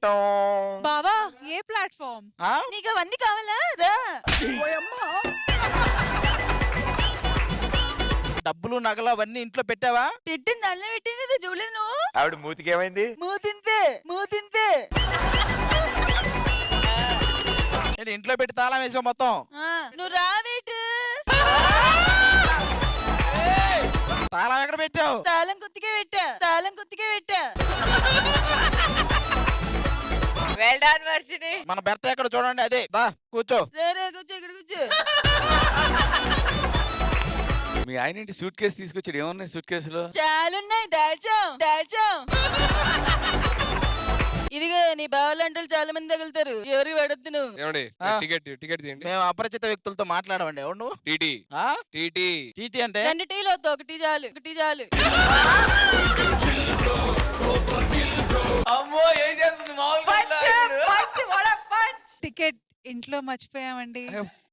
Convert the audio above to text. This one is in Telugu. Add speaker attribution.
Speaker 1: బావా ఏ ప్లాట్ఫామ్?
Speaker 2: నీకు అవన్నీ కావాలా రా.
Speaker 3: డబ్బులు నగలు అవన్నీ ఇంట్లో పెట్టావా?
Speaker 2: పెట్టింది అల్ల పెట్టింది కదా చూడలేదు నువ్వు.
Speaker 4: ఆవిడ మూతికి ఏమైంది?
Speaker 2: మూతింతే మూతింతే.
Speaker 3: నేను ఇంట్లో పెట్టి తాళం వేసావు మొత్తం.
Speaker 2: నువ్వు రావేటు.
Speaker 3: తాళం ఎక్కడ పెట్టావు?
Speaker 2: తాళం కుత్తికే పెట్టా, తాళం కుత్తికే పెట్టా.
Speaker 5: Well done Varshini.
Speaker 3: మన భర్త ఎక్కడ చూడండి, అదే దా కూర్చో.
Speaker 2: రే కూర్చో, ఇక్కడ కూర్చో.
Speaker 4: మీ ఆయన ఏంటి సూట్ కేసు తీసుకొచ్చాడు? ఏమన్నాయి సూట్ కేసులో?
Speaker 2: చాలున్నాయి, దాచాం దాచాం. ఇదిగో నీ బావలాంటి చాలా మంది తగులుతారు, ఎవరికి పడొద్దు నువ్వు.
Speaker 6: ఏమండి టికెట్ టికెట్ తీయండి.
Speaker 3: మేము అపరిచిత వ్యక్తులతో మాట్లాడమండి. ఎవరు నువ్వు?
Speaker 6: టీటీ టీటీ
Speaker 3: టీటీ అంటే?
Speaker 2: 2 టీలు వద్దు, 1 చాలు, 1 చాలు.
Speaker 5: అమ్మో ఏం చేస్తుంది మామూలుగా?
Speaker 1: టికెట్ ఇంట్లో మర్చిపోయామండి.